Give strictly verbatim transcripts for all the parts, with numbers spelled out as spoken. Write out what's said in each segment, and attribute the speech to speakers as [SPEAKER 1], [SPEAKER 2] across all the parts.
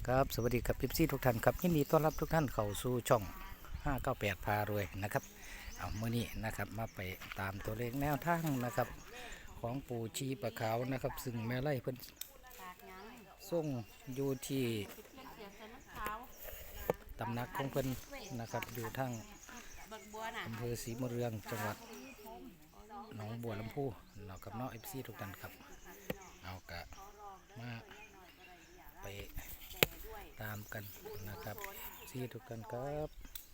[SPEAKER 1] ครับสวัสดีครับพิซี่ทุกท่านครับยินดีต้อนรับทุกท่านเข้าสู่ช่องห้าเก้าแปดพารวยนะครับเอาเมื่อนี้นะครับมาไปตามตัวเลขแนวทางนะครับของปู่ชีปะขาวนะครับซึ่งแม่ไล่เพิ่นส่งอยู่ที่ตำหนักของเพิ่นนะครับอยู่ทางอำเภอศรีมะเรืองจังหวัดหนองบัวลำพูเรากับน้องเอฟซีทุกท่านครับเอากะมาไปตามกันนะครับซีทุกท่านครับ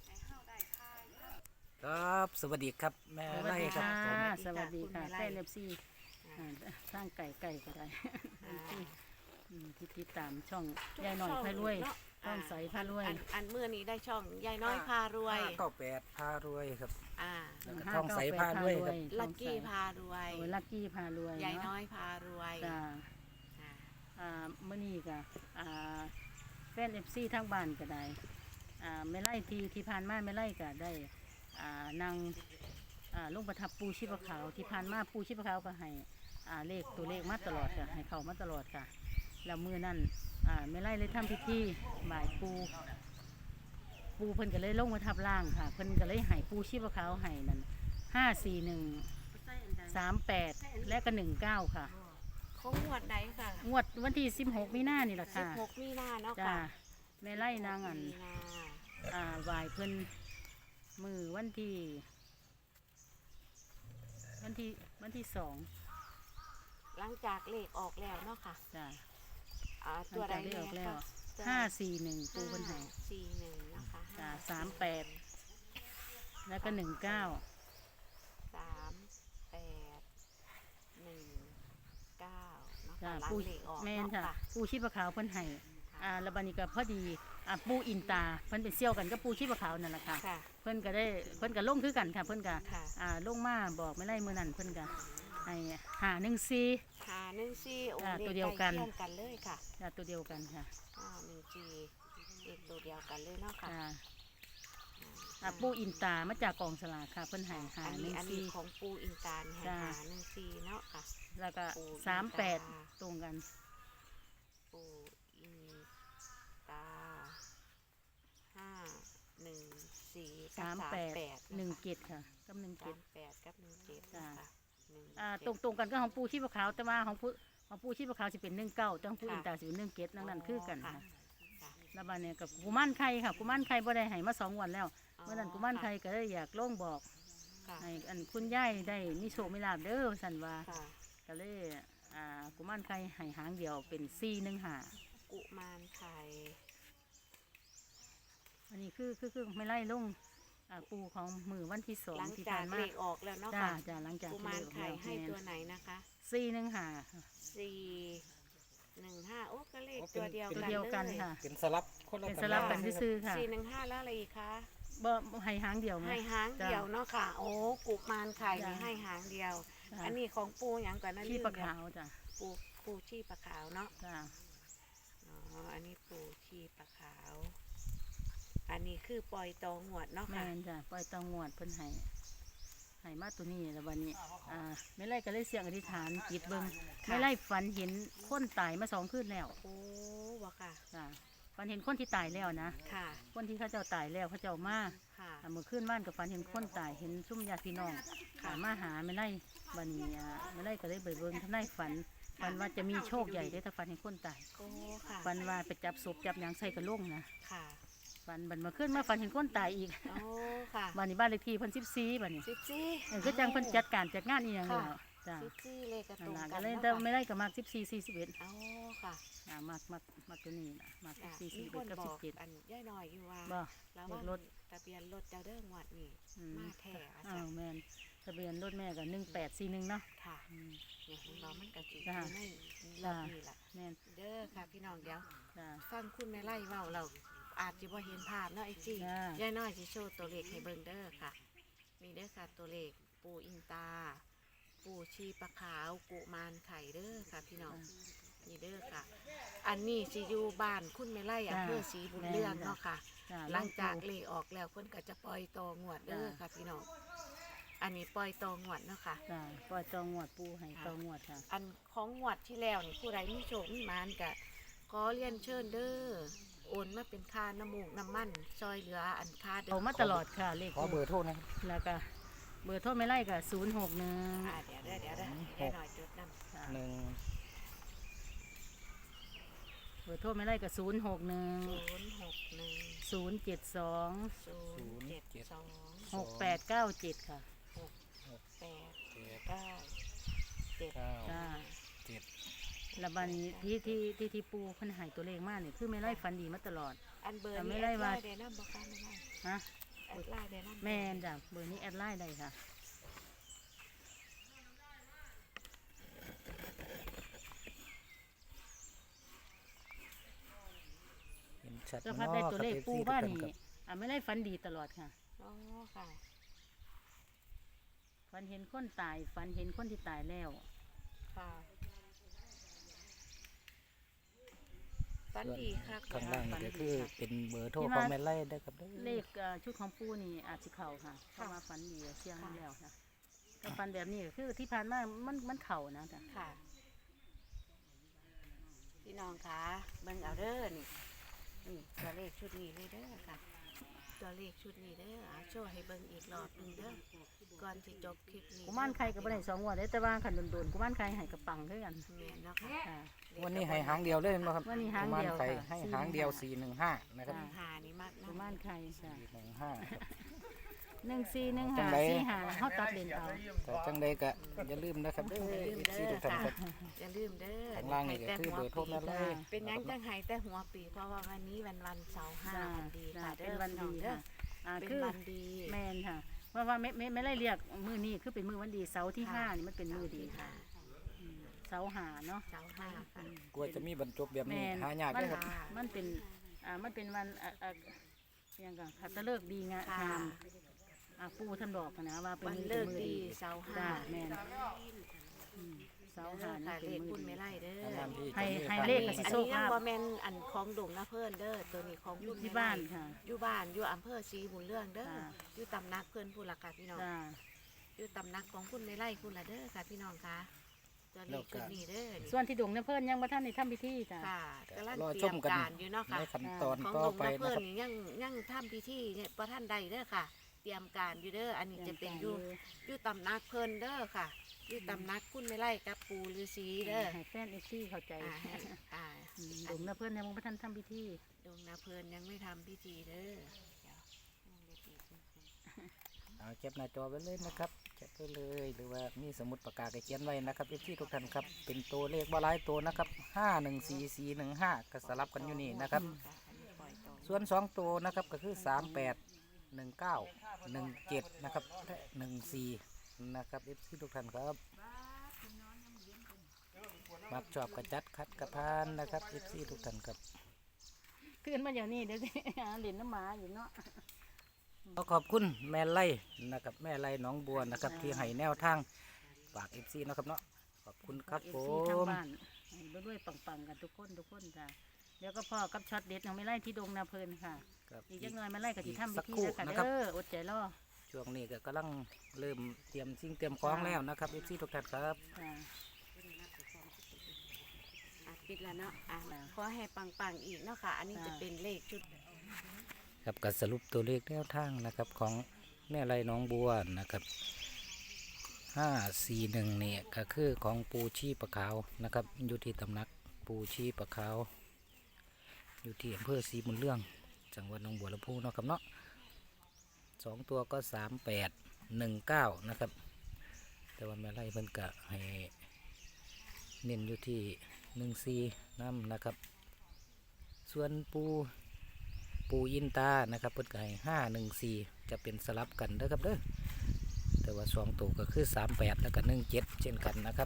[SPEAKER 1] ครับสวัสดีครับแม่
[SPEAKER 2] สวัส
[SPEAKER 1] ไล่
[SPEAKER 2] ดี
[SPEAKER 1] ครับ
[SPEAKER 2] ค่ะ
[SPEAKER 1] ผม
[SPEAKER 2] สวัสดีค่ะแฟนเอฟซีสร้างไก่ไก่ก็ได้ที่ที่ติดตามช่องยายหน่อยพารวยช่องใสพารวย
[SPEAKER 3] อันอันเมื่อนี้ได้ช่องยายน้อยพารวย
[SPEAKER 1] ห้าเก้าแปดพารวยครับ
[SPEAKER 3] อ่า
[SPEAKER 1] แล้วก็ท่องใสพารวยครับ
[SPEAKER 3] ลักกี้พารวย
[SPEAKER 2] โอ้ยลักกี้พารวย
[SPEAKER 3] ยายน้อยพารวย
[SPEAKER 2] จ้า
[SPEAKER 3] อ่า
[SPEAKER 2] อ่าเมื่อนี้ก็อ่าแฟนเอฟซีทั้งบ้านก็ได้อ่าไม่ไล่ทีที่ผ่านมาไม่ไล่ก็ได้อ่านางอ่าลงประทับปูชีพขาวที่ผ่านมาปูชีพขาวก็ให้อ่าเลขตัวเลขมาตลอดค่ะให้เข้ามาตลอดค่ะแล้วมือนั่นอ่าไม่ไล่เลยทำพิธีบ่ายปูปูเพิ่นก็เลยลงมาทับล่างค่ะเพิ่นก็เลยให้ปูชีพขาวให้นั่นห้าสี่หนึ่งสามแปดและก็หนึ่งเก้าค่ะ
[SPEAKER 3] เขางวดไหนค่ะ
[SPEAKER 2] งวดวันที่สิบหกมีนานี่แหละ
[SPEAKER 3] สิบ
[SPEAKER 2] ค่ะ
[SPEAKER 3] หกมีนาเนาะ
[SPEAKER 2] จ้า
[SPEAKER 3] ค่ะ
[SPEAKER 2] แม่ไล่นางอัน
[SPEAKER 3] มีนา
[SPEAKER 2] อ่าไหวายเพิ่นมือวันที่วันที่วันที่สอง
[SPEAKER 3] หลังจากเลขออกแล้วเนาะค่ะ
[SPEAKER 2] จ้า
[SPEAKER 3] อ่า
[SPEAKER 2] หลั
[SPEAKER 3] ตัว
[SPEAKER 2] ง
[SPEAKER 3] ใด
[SPEAKER 2] จากได้ออกแล้ว
[SPEAKER 3] ตัว
[SPEAKER 2] ห้าสี่หนึ่งปูเพิ่นให้
[SPEAKER 3] สี่หนึ่งนะคะ
[SPEAKER 2] จ้าสามแปดแล้วก็หนึ่งเก้า
[SPEAKER 3] สามแปดหนึ่งเก้าเนาะ
[SPEAKER 2] จ้า
[SPEAKER 3] ค่ะหลัง
[SPEAKER 2] ปู
[SPEAKER 3] เลขออก
[SPEAKER 2] แม่น
[SPEAKER 3] เนาะ
[SPEAKER 2] ค่ะ
[SPEAKER 3] ค่ะ
[SPEAKER 2] ปูชีพขาวเพิ่นให้อ่าแล้วบัดนี้ก็พอดีอ่าปูอินตาเพิ่นเป็นเซี่ยวกันกับปูชีพขาวนั่นแหละค่ะ
[SPEAKER 3] ค่ะ
[SPEAKER 2] เพิ่นก็ได้เพิ่นก็ลงคือกันค่ะเพิ่นก็
[SPEAKER 3] ค่ะ
[SPEAKER 2] อ่าลงมาบอกไม่ไล่มือนั่นเพิ่นก็ให้หาหนึ่งสี่
[SPEAKER 3] หาหนึ่งสี่โอ้
[SPEAKER 2] อ่า
[SPEAKER 3] เลข
[SPEAKER 2] ตัวเดียวกัน
[SPEAKER 3] ใล้เคียงกันเลยค่ะ
[SPEAKER 2] จ้าตัวเดียวกันค่ะ
[SPEAKER 3] อ่าหนึ่งจีเลขตัวเดียวกันเลยเนาะค่ะ
[SPEAKER 2] จ้าอ่าปูอินตามาจากกองสลากค่ะเพิ่นให้หา
[SPEAKER 3] อัน
[SPEAKER 2] ห
[SPEAKER 3] นี้
[SPEAKER 2] นึ่ง
[SPEAKER 3] อันนี้
[SPEAKER 2] สี่
[SPEAKER 3] ของปูอินตาลแห่
[SPEAKER 2] จ้า
[SPEAKER 3] หาหนึ่งซีเนาะค่ะ
[SPEAKER 2] แล้วก็
[SPEAKER 3] ปูอินตา
[SPEAKER 2] สามแปดตรงกัน
[SPEAKER 3] ปูอินตาห้าหนึ่งสี่
[SPEAKER 2] สามแปด
[SPEAKER 3] ด
[SPEAKER 2] หนึ่งเจ็ดค่ะกับหนึ่ง
[SPEAKER 3] สา
[SPEAKER 2] เจ็ด
[SPEAKER 3] มแปดกับหนึ่งเจ็ด
[SPEAKER 2] จ้า
[SPEAKER 3] นะคะหนึ่ง
[SPEAKER 2] อ่า
[SPEAKER 3] เจ็ด
[SPEAKER 2] ตรงตรงกันก็ของปูชีพขาวแต่ว่าของปูของปูชีพขาวสิเป็นหนึ่งเก้าแต่ของปูอินตาสิเป็นหนึ่งเจ็ดนั่นนั่นคือกันค่ะ
[SPEAKER 3] ค่ะ
[SPEAKER 2] แล้วบัดเนี่ยกับกุมารไข่ค่ะกุมารไข่บ่ได้ให้มาสองวันแล้ว
[SPEAKER 3] อ๋อ
[SPEAKER 2] เมื่อนั้นกุมารไข่ก็เลยอยากลงบอก
[SPEAKER 3] ค่ะ
[SPEAKER 2] ให้อันคุณยายได้มีโชคมีลาภเด้อสันว่า
[SPEAKER 3] ค่ะ
[SPEAKER 2] ก็เลยอ่ากุมารไข่ให้หางเดียวเป็นสี่หนึ่งหา
[SPEAKER 3] กุมารไข่
[SPEAKER 2] อันนี้คือคือคือไม่ไล่ลงอ่าปูของมือวันที่สอง
[SPEAKER 3] หลัง
[SPEAKER 2] ที่
[SPEAKER 3] จา
[SPEAKER 2] ผ่าก นมา
[SPEAKER 3] เลขออกแล้วเนาะ
[SPEAKER 2] จ้า
[SPEAKER 3] ค่ะ
[SPEAKER 2] จ้าหลังจาก
[SPEAKER 3] กุ
[SPEAKER 2] ที่
[SPEAKER 3] มาร
[SPEAKER 2] เลขออก
[SPEAKER 3] ไข่
[SPEAKER 2] แล้ว
[SPEAKER 3] ให้
[SPEAKER 2] แม่น
[SPEAKER 3] ตัวไหนนะคะ
[SPEAKER 2] สี่หนึ่งหา
[SPEAKER 3] สี่หนึ่งห้าโอ้ก็เลข
[SPEAKER 1] โอ้เป็น
[SPEAKER 3] ตัวเดียว
[SPEAKER 2] ตัว
[SPEAKER 3] กัน
[SPEAKER 2] เดียวกัน
[SPEAKER 3] เลย
[SPEAKER 2] ค่ะ
[SPEAKER 1] เป็นสลับคนละ
[SPEAKER 2] เป็นสลับกันซื่อๆค่ะ
[SPEAKER 3] สี่หนึ่งห้าแล้วอะไรอีกคะ
[SPEAKER 2] บ่ให้หางเดียวไง
[SPEAKER 3] ให้หางเดียวเนาะค่ะ โอ้กุมารไข่นี่
[SPEAKER 2] จ้ะ
[SPEAKER 3] ให้หางเดียว
[SPEAKER 2] จ้ะ
[SPEAKER 3] อันนี้ของปูอย่างก่อนนะ
[SPEAKER 2] ขี้
[SPEAKER 3] ลืม
[SPEAKER 2] ปลา
[SPEAKER 3] แล้ว
[SPEAKER 2] ขาวจ้ะ
[SPEAKER 3] ปูปูชีปลาขาวเนาะ
[SPEAKER 2] จ้า
[SPEAKER 3] อ๋ออันนี้ปูชีปลาขาว อันนี้คือปล่อยตองหวดเนาะ
[SPEAKER 2] แม่
[SPEAKER 3] ค่ะ
[SPEAKER 2] นจ้ะปล่อยเตองวดเพิ่นให้ให้มาตัวนี้แล้ววันนี้อ่าไม่ไล่ก็เลยเสียงอธิษฐานจิตเบิ่งไม่ไล่ฝันเห็นคนตายมาสองคืนแล้ว
[SPEAKER 3] โอ้วะค่ะ
[SPEAKER 2] จ้ะฝันเห็นคนที่ตายแล้วนะ
[SPEAKER 3] ค่ะ
[SPEAKER 2] คนที่เขาเจ้าตายแล้วเขาเจ้ามา
[SPEAKER 3] ค่ะ
[SPEAKER 2] อ่าเมื่อคืนบ้านกับฝันเห็นคนตายเห็นซุ่มญาติพี่น้องอ่ามาหาไม่ไล่วันนี้อ่าไม่ไล่ก็เลยไปเบิ่งทำนายฝันฝันว่าจะมีโชคใหญ่ได้อถ้าฝันเห็นคนตาย
[SPEAKER 3] โอ้ค่ะ
[SPEAKER 2] ฝันว่าไปจับศพจับหยังใส่กระโหลกนะ
[SPEAKER 3] ค่ะ
[SPEAKER 2] ฝันบันมาขึ้นมาฝันเห็นคนตายอีก
[SPEAKER 3] โอ้ค่ะ
[SPEAKER 2] บ้านนี้บ้านเลขที่เพิ่นสิบสี่บ้านนี้
[SPEAKER 3] สิบสี่
[SPEAKER 2] เออคือจังเพิ่นจัดการจัดงานอีหยังแล้วจ้ะ
[SPEAKER 3] สิบสี่เลขกระ
[SPEAKER 2] นั่
[SPEAKER 3] ต
[SPEAKER 2] น
[SPEAKER 3] รง
[SPEAKER 2] ล่ะ
[SPEAKER 3] กั
[SPEAKER 2] ก็
[SPEAKER 3] น
[SPEAKER 2] เลย
[SPEAKER 3] เนาะ
[SPEAKER 2] แต่ไม่
[SPEAKER 3] ค่ะ
[SPEAKER 2] ได้ก็มากสิบสี่สี่สิบเอ็ด
[SPEAKER 3] โอ้ค่ะ
[SPEAKER 2] อ่ามากมากมากตัวนี้นะมากสิบ
[SPEAKER 3] อ่ะ
[SPEAKER 2] สี่สี่
[SPEAKER 3] มี
[SPEAKER 2] สิบ
[SPEAKER 3] ค
[SPEAKER 2] เอ็ด
[SPEAKER 3] น
[SPEAKER 2] กับ
[SPEAKER 3] บ
[SPEAKER 2] สิ
[SPEAKER 3] อบ ก
[SPEAKER 2] เจ็ด
[SPEAKER 3] อันย่ายน้อยอยู่ว่า
[SPEAKER 2] บ่
[SPEAKER 3] แล้ว
[SPEAKER 2] เล
[SPEAKER 3] ว่า
[SPEAKER 2] ขรถ
[SPEAKER 3] ทะเบียนรถเจ้าเด้งวัดนี่
[SPEAKER 2] อืม
[SPEAKER 3] มาแท้อา
[SPEAKER 2] อ้า
[SPEAKER 3] จาว รย์
[SPEAKER 2] แม่นทะเบียนรถแม่ก็หนึ่งแปดสี่หนึ่งเนาะ
[SPEAKER 3] ค่ะ
[SPEAKER 2] อืม
[SPEAKER 3] เนี่ยของเรามันกะจิอ
[SPEAKER 2] จ้ะ
[SPEAKER 3] ยู่ในรถนี่แหละ
[SPEAKER 2] แม่น
[SPEAKER 3] เด้อค่ะพี่น้องเดี๋ยว
[SPEAKER 2] จ้ะ
[SPEAKER 3] ฟังคุณแม่ไล่เว้าเราอาจจะบ่เห็นภาพเนาะไอ้จี้
[SPEAKER 2] จ้ะ
[SPEAKER 3] ย่ายน้อยสิโชว์ตัวเลขให้เบิ่งเด้อค่ะนี่เด้อค่ะตัวเลขปูอินตา ปูชีปลาขาวกุมารไข่เด้อค่ะพี่น้องนี่เด้อค่ะ อันนี้สิอยู่บ้านคุณแม่ไล่อำเภอศรีบุญเรืองเนาะค่ะ
[SPEAKER 2] จ้ะ
[SPEAKER 3] หลังจากเลขออกแล้วเพิ่นก็จะปล่อยตองวดเด้อค่ะพี่น้องอันนี้ปล่อยตองวดเนาะค่ะ
[SPEAKER 2] จ้ะปล่อยตองวดปูให้ตองวดค่ะ
[SPEAKER 3] อันของงวดที่แล้วนี่ผู้ใดมีโชคมีหมานกะขอเรียนเชิญเด้อโอนมาเป็นค่าน้ำมูกน้ำมันซอยเหลืออันค่าเดิ
[SPEAKER 2] เอามาตลอดค่ะเลข
[SPEAKER 1] ขอเบอร์โทรนะครับ
[SPEAKER 2] แล้วก็เบอร์โทรไม่ไล่กับศูนย์หกหนึ่ง
[SPEAKER 3] อ่าเดี๋ยวเด้อเดี๋ยวเด้อได้หน่อยจุดนำ
[SPEAKER 1] หนึ่ง
[SPEAKER 2] เบอร์โทรไม่ไล่กับศูนย์หกหนึ่ง
[SPEAKER 3] ศูนย์หกหนึ่ง
[SPEAKER 2] ศูนย์เจ็ดสอง
[SPEAKER 3] ศูนย์เจ็ดสอง
[SPEAKER 2] หกแปดเก้าเจ็ดค่ะ
[SPEAKER 3] หกแปด
[SPEAKER 1] เจ็ด
[SPEAKER 3] เก้าเจ็ด
[SPEAKER 1] เก้า
[SPEAKER 2] จ้า
[SPEAKER 1] เจ็ด
[SPEAKER 2] แล้วบัดนี้ที่ที่ที่ที่ปูเพิ่นใหายตัวเลขมากเนี่ยคือไม่ไล่ฟันดีมาตลอด
[SPEAKER 3] อันเบอร์
[SPEAKER 2] แต่ไม่
[SPEAKER 3] นี้
[SPEAKER 2] ได้
[SPEAKER 3] แอดไล
[SPEAKER 2] ว่า
[SPEAKER 3] น์ได้นำบ่คะไม่ได้
[SPEAKER 2] ฮะ
[SPEAKER 3] แอดไลน์ได้นำ
[SPEAKER 2] แม่นจ้ะเบอร์นี้แอดไลน์ได้ค่ะ
[SPEAKER 1] เห็นชัด
[SPEAKER 2] ก็พัดได้ตัวเลข
[SPEAKER 1] ครับ
[SPEAKER 2] ปู
[SPEAKER 1] เอฟซี
[SPEAKER 2] บ้าน
[SPEAKER 1] ทุก
[SPEAKER 2] นี่
[SPEAKER 1] ท่ครับ
[SPEAKER 2] อ่ะไม่ไล่ฟันดีตลอดค่ะ
[SPEAKER 3] อ๋อค่ะ
[SPEAKER 2] ฟันเห็นคนตายฟันเห็นคนที่ตายแล้ว
[SPEAKER 3] ค่ะฝันดีค่ะ
[SPEAKER 1] ข้างล่างนี่ก็คือเป็นเบอร์โทร
[SPEAKER 2] ที่
[SPEAKER 1] ข
[SPEAKER 2] มา
[SPEAKER 1] องแม่ไล่ได้ครับด้อ
[SPEAKER 2] เลขเอ่อชุดของปูนี่อาจจะเข่าค่ะเพราะว่าฟันดีเชียงนั่นแล้วค่ะก็ฟันแบบนี้ก็คือที่ผ่านมามันมันเข่านะจ้ะ
[SPEAKER 3] ค่ะพี่น้องคะเบิ่งเอาเด้อนี่นี่ตัวเลขชุดนี้เลยเด้อค่ะ ตัวเลขชุดนี้เด้อเอาโชว์ให้เบิ่งอีกรอบหนึงเด้อก่อนที่จบคลิปนี้
[SPEAKER 2] กุมารไข่กับบันไดสองงวันได้แต่ว่าขันโดนๆกุมารไข่ใหายกับปังคือกัน
[SPEAKER 3] แม่นเนาะค่ะ
[SPEAKER 2] ค่ะ
[SPEAKER 1] วันนี้ให้หางเดียวเลยนะครับ
[SPEAKER 2] วันนี้หางเดียว
[SPEAKER 1] ประมณไข่
[SPEAKER 2] ค่ะ
[SPEAKER 1] ให้
[SPEAKER 2] สี่
[SPEAKER 1] หางเดียว
[SPEAKER 2] หนึ่งห้า
[SPEAKER 1] สี่หนึ่งห้านะครับ
[SPEAKER 2] จ้ะ
[SPEAKER 3] หานี่มากนะ
[SPEAKER 2] กุมารไข่จ้ะ
[SPEAKER 1] สี่หนึ่งห้า
[SPEAKER 2] หนึ่งสี่หนึ่ง
[SPEAKER 1] จั
[SPEAKER 2] หาง
[SPEAKER 1] ใด
[SPEAKER 2] สี่หาเขาตัดเลนเอา
[SPEAKER 1] แต่จังใดก็อย่าลืมนะครับเด้อ
[SPEAKER 3] อย่าลืม
[SPEAKER 1] เอฟ
[SPEAKER 3] เด้
[SPEAKER 1] ซี
[SPEAKER 3] อ
[SPEAKER 1] ทุกท่าน
[SPEAKER 3] ค่ะ
[SPEAKER 1] ครับ
[SPEAKER 3] อย่าลืมเด้อ
[SPEAKER 1] ข้างล่างนี่ก็คือเบอร์โทรแม่ไล่
[SPEAKER 3] เป็นหยังจังไห้แต่หัวปีเพราะว่าวันนี้วันวันเสาร์ห้า
[SPEAKER 2] จ้ะ
[SPEAKER 3] วันดี
[SPEAKER 2] จ้ะ
[SPEAKER 3] ค่ะ
[SPEAKER 2] เป็นวันดี
[SPEAKER 3] เด้อ
[SPEAKER 2] ค่ะอ่า
[SPEAKER 3] เป็น
[SPEAKER 2] คือ
[SPEAKER 3] วันดี
[SPEAKER 2] แมนค่ะว่าว่าไม่ไม่ไม่ได้เรียกมือนี้คือเป็นมือวันดีเสาร์ที่ห้านี่มันเป็นมือดีค่ะ
[SPEAKER 3] ค่ะ
[SPEAKER 2] อืมเสาร์หาเนาะ
[SPEAKER 3] เสาร์ห้าค่ะ
[SPEAKER 1] กลัวจะมีบรรจบแบบ
[SPEAKER 2] แม
[SPEAKER 1] นี้
[SPEAKER 2] น
[SPEAKER 1] หายาก
[SPEAKER 2] มั
[SPEAKER 1] เลยครับ
[SPEAKER 2] มันเป็นอ่ามันเป็นวันอ่าอ่ายังกันคัตฤกษ์ดีงา
[SPEAKER 3] ค่ะ
[SPEAKER 2] งามอ่าปูท่านบอกนะว่าเป็น
[SPEAKER 3] วัน
[SPEAKER 2] มือ
[SPEAKER 3] เลิก
[SPEAKER 2] มือ
[SPEAKER 3] ดี
[SPEAKER 2] ดี
[SPEAKER 3] เสาร์ห้า
[SPEAKER 2] จ้าแมนอืมเสาร์หา
[SPEAKER 3] ค่ะ
[SPEAKER 2] นี่
[SPEAKER 3] เล
[SPEAKER 2] เป็น
[SPEAKER 3] ข
[SPEAKER 2] มื
[SPEAKER 3] คุ
[SPEAKER 2] อ
[SPEAKER 3] ณ
[SPEAKER 2] ดี
[SPEAKER 3] ไม่ไล่เด้อ
[SPEAKER 1] นานๆที่
[SPEAKER 2] ให้
[SPEAKER 1] จะมี
[SPEAKER 2] ให้
[SPEAKER 1] ข่าว
[SPEAKER 2] เลข
[SPEAKER 3] อัน
[SPEAKER 2] กับสิ
[SPEAKER 3] นี้
[SPEAKER 2] โชค
[SPEAKER 3] ยัง
[SPEAKER 2] ลาภ
[SPEAKER 3] บ่แม่นอันของดงนะเพิ่นเด้อตัวนี้ของ
[SPEAKER 2] อยู่
[SPEAKER 3] คุณ
[SPEAKER 2] ที่
[SPEAKER 3] แม่ไล่
[SPEAKER 2] บ้านค่ะ
[SPEAKER 3] อยู่บ้านอยู่อำเภอศรีบุญเรื่องเด้อ
[SPEAKER 2] จ้า
[SPEAKER 3] อยู่ตำนักเพิ่นผู้ละค่ะพี่น้อง
[SPEAKER 2] จ้า
[SPEAKER 3] อยู่ตำนักของคุณไม่ไล่คุณละเด้อค่ะพี่น้องค่ะตัวเลขชุดนี้เด้อนี่
[SPEAKER 2] ส่วนที่ดงเนี่ยเพิ่นยังบ่ทันได้ทำพิธีจ้า
[SPEAKER 3] ค่ะกำลัง
[SPEAKER 1] รอ
[SPEAKER 3] เตรี
[SPEAKER 1] ช
[SPEAKER 3] ย
[SPEAKER 1] ม
[SPEAKER 3] ม
[SPEAKER 1] กัน
[SPEAKER 3] การอยู่เนาะค่ะ
[SPEAKER 1] ในขั้นตอน
[SPEAKER 3] ของ
[SPEAKER 1] ต่อ
[SPEAKER 3] ดง
[SPEAKER 1] ไป
[SPEAKER 3] นะ
[SPEAKER 1] นะ
[SPEAKER 3] เพิ่น
[SPEAKER 1] ครับ
[SPEAKER 3] นี่ยังยังทำพิธีเนี่ยประท่านใดเด้อค่ะ เตรียมการอยู่เด้ออันนี้จะเป็นอยู่อยู่ตำนักเพิ่นเด้อค่ะอยู่ตำนักคุณไม่ไล่กับปูฤาษีเด้อ
[SPEAKER 2] ให้แฟนเอฟซีเข้าใจ
[SPEAKER 3] อ่าให้อ่า
[SPEAKER 2] อืมดงเนี่ยเพิ่นยังบ่ทันทำพิธี
[SPEAKER 3] ดงนาเพิ่นยังไม่ทำพิธีเด้อเดี๋ยว
[SPEAKER 1] เอาแคปหน้าจอไว้เลยนะครับแคปไปเลยหรือว่ามีสมุดปากกาเขียนไว้นะครับเอฟซีทุกท่านครับเป็นตัวเลขบ่หลายตัวนะครับห้าหนึ่งสี่สี่หนึ่งห้าก็สลับกันอยู่นี่นะครับ
[SPEAKER 3] ค่ะอันนี้ปล่อยต่อ
[SPEAKER 1] ส่วนสองตัวนะครับก็คือสามแปดหนึ่งเก้าหนึ่งเจ็ดนะครับและหนึ่งสี่นะครับเอฟซีทุกท่านครับมักชอบกระจัดคัดกระพานนะครับเอฟซีทุกท่านครับ
[SPEAKER 2] ขึ้นมาเดี๋ยวนี้เดี๋ยวสิ หาเหรียญน้ำหมาอยู่เนาะ
[SPEAKER 1] ขอขอบคุณแม่ไล่นะครับแม่ไล่หน้องบัวนะครับที่ให้แนวทางฝากเอฟซีนะครับเนาะขอบคุณครับ
[SPEAKER 2] เอ
[SPEAKER 1] ผ
[SPEAKER 2] ฟซีทาง
[SPEAKER 1] ม
[SPEAKER 2] บ้านให้ด้วยๆปังๆกันทุกคนทุกคนจ้ะเดี๋ยวก็พ่อกับช็อตเด็ดยังไม่ไล่ที่ดงนาเพลินค่ะ
[SPEAKER 1] ครับ
[SPEAKER 2] อีกจักหน่อยมาไล่กับที่ทำพิ
[SPEAKER 1] สัก
[SPEAKER 2] ธี
[SPEAKER 1] ครู่
[SPEAKER 2] แล้วค่ะ
[SPEAKER 1] นะครับ
[SPEAKER 2] เด้ออดใจรอ
[SPEAKER 1] ช่วงนี้ก็กำลังเริ่มเตรียมสิ่งเตรียมของแล้วนะครับเอฟซีทุกท่านครับ
[SPEAKER 2] จ้ะ
[SPEAKER 3] อ่ะปิดแล้วเนาะอ่ะ
[SPEAKER 2] จ้ะ
[SPEAKER 3] ขอให้ปังๆอีกเนาะค่ะ อันนี้จะเป็นเลขชุด
[SPEAKER 1] ครับการสรุปตัวเลขแนวทางนะครับของแม่ไร่หน้องบัวนะครับห้าสี่หนึ่งเนี่ยก็คือของปูชีปะขาวนะครับอยู่ที่ตำหนักปูชีปะขาวอยู่ที่อำเภอศรีบุญเรื่องจังหวัดหนองบัวลำพูเนาะครับเนาะสองตัวก็สามแปดหนึ่งเก้านะครับ แต่ว่าแม่ไร่เพิ่นกะให้เน้นอยู่ที่หนึ่งสี่น้ำนะครับ ส่วนปูปูยินตานะครับเพิ่นก็ให้ห้าหนึ่งสี่จะเป็นสลับกันเด้อครับเด้อแต่ว่าสองตัวก็คือสามแปดแล้วก็หนึ่งเจ็ดเช่นกันนะครับ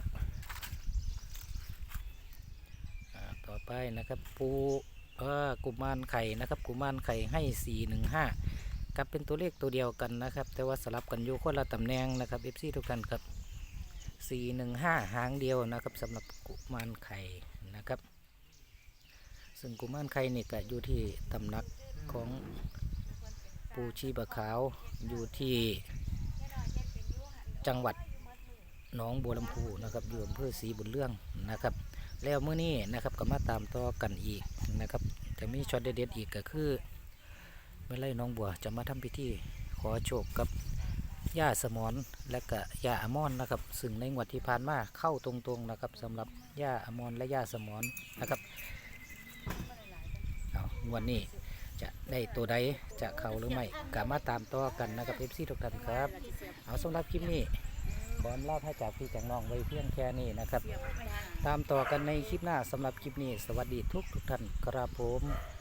[SPEAKER 1] อ่าต่อไปนะครับปูเออกุมารไข่นะครับกุมารไข่ให้สี่หนึ่งห้ากับเป็นตัวเลขตัวเดียวกันนะครับ แต่ว่าสลับกันอยู่คนละตำแหน่งนะครับเอฟซีทุกท่านครับสี่หนึ่งห้าหางเดียวนะครับสำหรับกุมารไข่นะครับ ซึ่งกุมารไข่นี่ก็อยู่ที่ตำหนักของปูชีบะขาวอยู่ที่จังหวัดหนองบัวลำพูนะครับอยู่อำเภอศรีบุญเรื่องนะครับแล้วมื้อนี้นะครับก็มาตามต่อกันอีกนะครับจะมีช็อตเด็ดๆอีกก็คือแม่ไร่น้องบัวจะมาทำพิธีขอโชคกับย่าสมอนและก็ย่าอมรนะครับซึ่งในงวดที่ผ่านมาเข้าตรงๆนะครับสำหรับย่าอมรและย่าสมอนนะครับเอางวดนี้จะได้ตัวใดจะเข้าหรือไม่ก็มาตามต่อกันนะครับเอฟซีทุกท่านครับเอาสำหรับคลิปนี้ขอลาให้จากพี่จากน้องไว้เพียงแค่นี้นะครับตามต่อกันในคลิปหน้าสำหรับคลิปนี้สวัสดีทุกทุกท่านครับผม